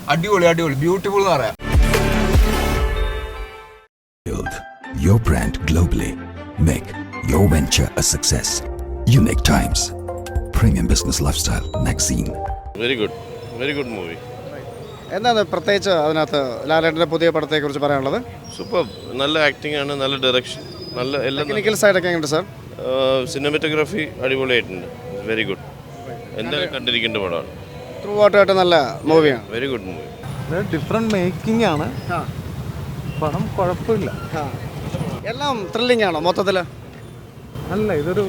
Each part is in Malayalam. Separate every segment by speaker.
Speaker 1: അടിപൊളി അടിപൊളി ബ്യൂട്ടിഫുൾ എന്ന് പറയാം.
Speaker 2: Build your brand globally. Make your venture a success. Unique Times, Premium Business Lifestyle Magazine.
Speaker 3: Very good movie.
Speaker 4: എന്താണ് പ്രത്യേകിച്ച് അതിനകത്ത് ലാലേട്ടൻ്റെ പുതിയ പടത്തെക്കുറിച്ച് പറയാനുള്ളത്?
Speaker 3: സൂപ്പർ, നല്ല ആക്ടിംഗ് ആണ്, നല്ല ഡയറക്ഷൻ, നല്ല എല്ലാ
Speaker 4: ടെക്നിക്കൽ സൈഡൊക്കെ എങ്ങനെയുണ്ട് സാർ?
Speaker 3: സിനിമാറ്റോഗ്രാഫി അടിപൊളിയായിട്ടുണ്ട്. വെരി ഗുഡ്, എന്തായാലും കണ്ടിരിക്കേണ്ട പടമാണ്.
Speaker 4: ത്രൂ ഔട്ടായിട്ട് നല്ല മൂവിയാണ്.
Speaker 3: Very good movie.
Speaker 5: Different making ആണ്, പടം കുഴപ്പമില്ല.
Speaker 4: എല്ലാം ത്രില്ലിംഗ് ആണോ മൊത്തത്തിൽ?
Speaker 5: അല്ല, ഇതൊരു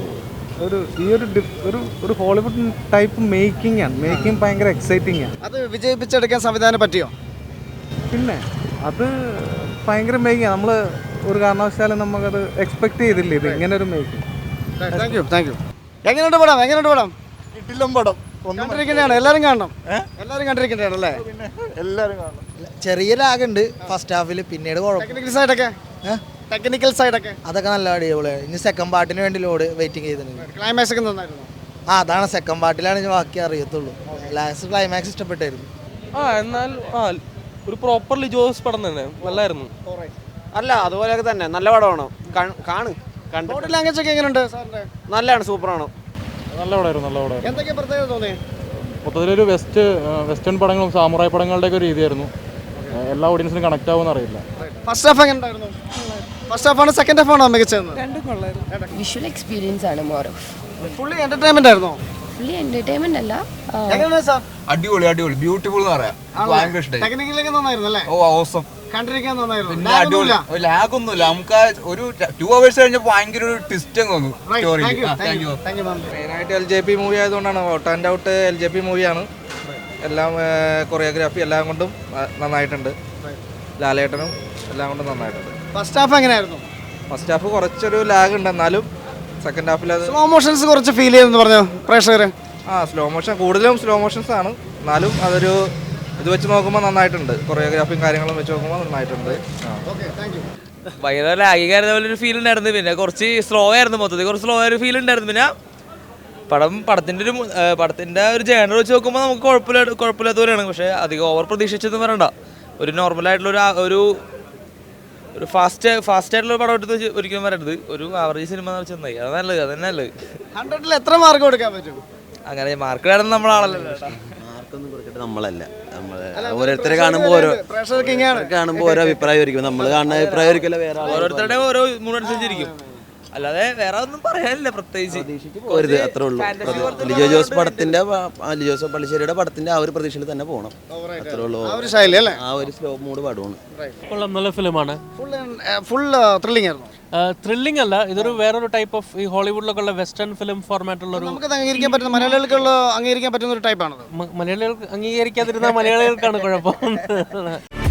Speaker 5: ഒരു ഹോളിവുഡ് ടൈപ്പ് മേക്കിംഗ് ആണ്. മേക്കിംഗ് ഭയങ്കര എക്സൈറ്റിംഗ് ആണ്.
Speaker 4: അത് വിജയിപ്പിച്ചെടുക്കാൻ സംവിധാനം പറ്റിയോ?
Speaker 5: പിന്നെ അത് ഭയങ്കര മേക്കിംഗ് ആണ്. നമ്മൾ ഒരു കാരണവശാലും നമുക്കത് എക്സ്പെക്ട് ചെയ്തില്ല ഇത് ഇങ്ങനെ ഒരു മേക്കിംഗ്.
Speaker 4: Thank you. എങ്ങനെയുണ്ട് പടം?
Speaker 5: കിട്ടില്ല പടം.
Speaker 4: കണ്ടിരിക്കേണ്ടതാണ്, എല്ലാവരും കാണണം. എല്ലാവരും കണ്ടിരിക്കേണ്ടതാണ് അല്ലേ?
Speaker 5: എല്ലാവരും കാണണം.
Speaker 6: ചെറിയ ലാഗുണ്ട് ഫസ്റ്റ് ഹാഫിൽ, പിന്നീട്
Speaker 4: ടെക്നിക്കൽ സൈഡൊക്കെ
Speaker 6: അതൊക്കെ നല്ല അടിപൊളിയാണ്. ഇനി സെക്കൻഡ് പാർട്ടിന് വേണ്ടി ലോഡ് വെയിറ്റിംഗ് ചെയ്തിട്ടുണ്ട്.
Speaker 4: ക്ലൈമാക്സ് ഒക്കെ നന്നായിരുന്നു.
Speaker 6: അതാണ് സെക്കൻഡ് പാർട്ടിലാണ് ഞാൻ ബാക്കി അറിയത്തുള്ളൂ. ലാസ്റ്റ് ക്ലൈമാക്സ് ഇഷ്ടപ്പെട്ടായിരുന്നു.
Speaker 7: എന്നാൽ ഒരു പ്രോപ്പർ ലിജോസ് പടം തന്നെ നല്ലായിരുന്നു.
Speaker 8: അല്ല, അതുപോലെയൊക്കെ തന്നെ നല്ല പടമാണ്.
Speaker 4: ബോഡി ലാംഗ്വേജ് ഒക്കെ എങ്ങനെയുണ്ട് സാറിന്റെ?
Speaker 8: നല്ലതാണ്, സൂപ്പറാണ്.
Speaker 5: നല്ല പടമായിരുന്നു.
Speaker 4: എന്തൊക്കെ പ്രത്യേകത തോന്നി?
Speaker 5: മൊത്തത്തിലൊരു വെസ്റ്റേൺ പടങ്ങളും സാമുറായി പടങ്ങളുടെയൊക്കെ ഒരു രീതിയായിരുന്നു. എല്ലാ ഓഡിയൻസിനും കണക്ട് ആവുമെന്ന് അറിയില്ല.
Speaker 4: ഫസ്റ്റ് ഹാഫ് എങ്ങനെ ഉണ്ടായിരുന്നു? ഫസ്റ്റ് ഹാഫ് ആണ് സെക്കൻഡ് ഹാഫ് ആണോ മികച്ചത്?
Speaker 9: വിഷ്വൽ എക്സ്പീരിയൻസ് ആണ് മോർ ഓഫ്.
Speaker 4: ഫുള്ളി എന്റർടൈൻമെന്റ് ആയിരുന്നോ?
Speaker 9: ഫുള്ളി എന്റർടൈൻമെന്റ് അല്ല.
Speaker 4: എങ്ങനെയാണ് സാർ?
Speaker 1: അടിപൊളി അടിപൊളി ബ്യൂട്ടിഫുൾ എന്ന് പറയാം. ഭയങ്കര ഇഷ്ടമായി.
Speaker 4: ടെക്നിക്കലൊക്കെ നന്നായിരുന്നു അല്ലേ?
Speaker 1: ഓ ഓസം,
Speaker 4: കണ്ടിരിക്കാൻ നന്നായിരുന്നു.
Speaker 1: പിന്നെ അടിപൊളി. ലാഗ് ഒന്നുമില്ല. നമുക്ക് ഒരു 2 hours കഴിഞ്ഞപ്പോൾ ഭയങ്കര ഒരു ട്വിസ്റ്റ് അങ്ങ് വന്നു സ്റ്റോറി.
Speaker 6: മെയിനായിട്ട് LJP മൂവി ആയതുകൊണ്ടാണ്. ഔട്ട് ആൻഡ് ഔട്ട് LJP മൂവിയാണ്. എല്ലാം കൊറിയോഗ്രാഫി എല്ലാം കൊണ്ടും നന്നായിട്ടുണ്ട്. ലാലേട്ടനും എല്ലാം കൊണ്ടും നന്നായിട്ടുണ്ട്.
Speaker 4: ഫസ്റ്റ് ഹാഫ് എങ്ങനെയായിരുന്നു?
Speaker 6: ഫസ്റ്റ് ഹാഫ് കുറച്ചൊരു ലാഗ് ഉണ്ട്, എന്നാലും സെക്കൻഡ് ഹാഫിൽ അത്
Speaker 4: സ്ലോ മോഷൻസ് കുറച്ച് ഫീൽ ചെയ്തെന്ന് പറഞ്ഞു പ്രേക്ഷകർ.
Speaker 6: സ്ലോ മോഷൻ, കൂടുതലും സ്ലോ മോഷൻസ് ആണ്. എന്നാലും അതൊരു ഇത് വെച്ച് നോക്കുമ്പോൾ നന്നായിട്ടുണ്ട്. കൊറിയോഗ്രാഫിയും കാര്യങ്ങളും വെച്ച് നോക്കുമ്പോൾ നന്നായിട്ടുണ്ട്.
Speaker 7: ഭയങ്കര ലാഗികായിരുന്ന പോലെ ഒരു ഫീൽ ഉണ്ടായിരുന്നു. പിന്നെ കുറച്ച് സ്ലോ ആയിരുന്നു, മൊത്തത്തിൽ കുറച്ച് സ്ലോ ആയൊരു ഫീൽ ഉണ്ടായിരുന്നു. പിന്നെ പടത്തിൻ്റെ ഒരു ജേണർ വെച്ച് നോക്കുമ്പോൾ നമുക്ക് കുഴപ്പമില്ലാത്ത പോലെയാണ്. പക്ഷേ അധികം ഓവർ പ്രതീക്ഷിച്ചൊന്നും വരണ്ട. ഒരു നോർമലായിട്ടുള്ള ഒരു ഫാസ്റ്റ് ആയിട്ടുള്ള പടം എടുത്ത് ഒരിക്കലും വരരുത്. ഒരു ആവറേജ് സിനിമ എന്ന് വെച്ചാൽ നന്നായി. അത് നല്ലത്, അതന്നെ നല്ലത്.
Speaker 4: 100ൽ എത്ര മാർക്ക് കൊടുക്കാൻ പറ്റും?
Speaker 7: അങ്ങനെ മാർക്ക് വേണം നമ്മളാണല്ലോ.
Speaker 8: മാർക്കൊന്നും കൊടുക്കട്ടെ, നമ്മളല്ല. ഓരോരുത്തരെ കാണുമ്പോൾ ഓരോ അഭിപ്രായമായിരിക്കും. നമ്മൾ കാണുന്ന അഭിപ്രായമായിരിക്കില്ല വേറെ.
Speaker 7: ഓരോരുത്തരുടെ ഓരോ മൂടനുസരിച്ചിരിക്കും. അല്ലാതെ വേറെ ഒന്നും പറയാനില്ല പ്രത്യേകിച്ച്.
Speaker 8: അത്രേ ഉള്ളൂ. ലിജോ ജോസ് പള്ളിശ്ശേരിയുടെ പടത്തിന്റെ ആ ഒരു പ്രതീക്ഷയിൽ തന്നെ പോകണം. അത്രേ ഉള്ളൂ. ആ ഒരു സ്ലോ മൂഡ് പടമാണ്.
Speaker 7: നല്ല ഫിലിമാണ്.
Speaker 4: ഫുൾ ത്രില്ലിംഗ് ആയിരുന്നു.
Speaker 7: ത്രില്ലിംഗ് അല്ല, ഇതൊരു വേറൊരു ടൈപ്പ് ഓഫ് ഈ ഹോളിവുഡിലൊക്കെ ഉള്ള വെസ്റ്റേൺ ഫിലിം ഫോർമാറ്റുള്ള ഒരു
Speaker 4: അംഗീകരിക്കാൻ പറ്റുന്ന മലയാളികൾക്കുള്ള അംഗീകരിക്കാൻ പറ്റുന്ന ഒരു ടൈപ്പാണ്.
Speaker 7: മലയാളികൾക്ക് അംഗീകരിക്കാതിരുന്ന മലയാളികൾക്കാണ് കുഴപ്പം.